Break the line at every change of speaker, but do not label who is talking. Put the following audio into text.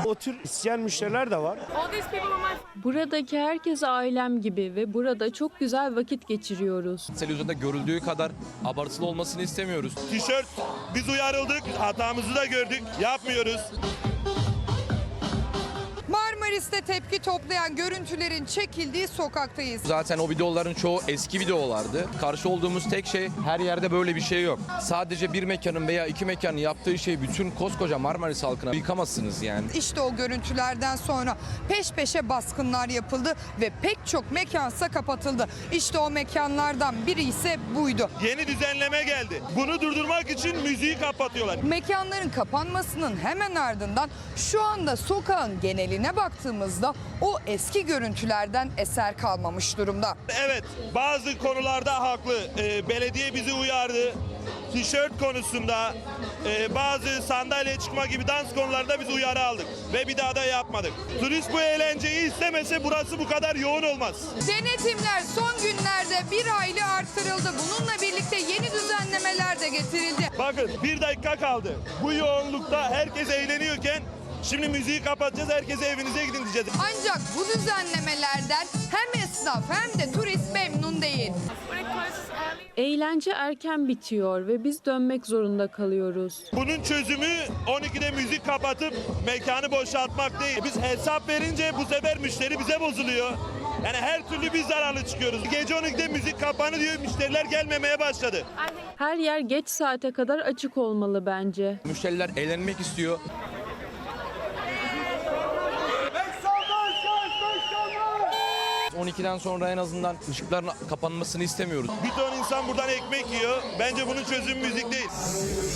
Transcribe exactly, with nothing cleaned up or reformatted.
O tür isteyen müşteriler de var.
Buradaki herkes ailem gibi ve burada çok güzel vakit geçiriyoruz.
Televizyonda görüldüğü kadar abartılı olmasını istemiyoruz.
Tişört, biz uyarıldık, hatamızı da gördük, yapmıyoruz.
Marmaris'te tepki toplayan görüntülerin çekildiği sokaktayız.
Zaten o videoların çoğu eski videolardı. Karşı olduğumuz tek şey, her yerde böyle bir şey yok. Sadece bir mekanın veya iki mekanın yaptığı şey bütün koskoca Marmaris halkına yıkamazsınız yani.
İşte o görüntülerden sonra peş peşe baskınlar yapıldı ve pek çok mekansa kapatıldı. İşte o mekanlardan biri ise buydu.
Yeni düzenleme geldi. Bunu durdurmak için müziği kapatıyorlar.
Mekanların kapanmasının hemen ardından şu anda sokağın geneline baktığımızda o eski görüntülerden eser kalmamış durumda.
Evet, bazı konularda haklı. Ee, belediye bizi uyardı. Tişört konusunda, e, bazı sandalye çıkma gibi dans konularında biz uyarı aldık. Ve bir daha da yapmadık. Turist bu eğlenceyi istemese burası bu kadar yoğun olmaz.
Denetimler son günlerde bir hayli artırıldı. Bununla birlikte yeni düzenlemeler de getirildi.
Bakın bir dakika kaldı. Bu yoğunlukta herkes eğleniyorken şimdi müziği kapatacağız, herkese evinize gidin diyeceğiz.
Ancak bu düzenlemelerden hem esnaf hem de turist memnun değil.
Eğlence erken bitiyor ve biz dönmek zorunda kalıyoruz.
Bunun çözümü on ikide müzik kapatıp mekanı boşaltmak değil. Biz hesap verince bu sefer müşteri bize bozuluyor. Yani her türlü biz zararlı çıkıyoruz. Gece on ikide müzik kapanı diyor, müşteriler gelmemeye başladı.
Her yer geç saate kadar açık olmalı bence.
Müşteriler eğlenmek istiyor. on ikiden sonra en azından ışıkların kapanmasını istemiyoruz.
Bir ton insan buradan ekmek yiyor. Bence bunun çözümü müzik değil.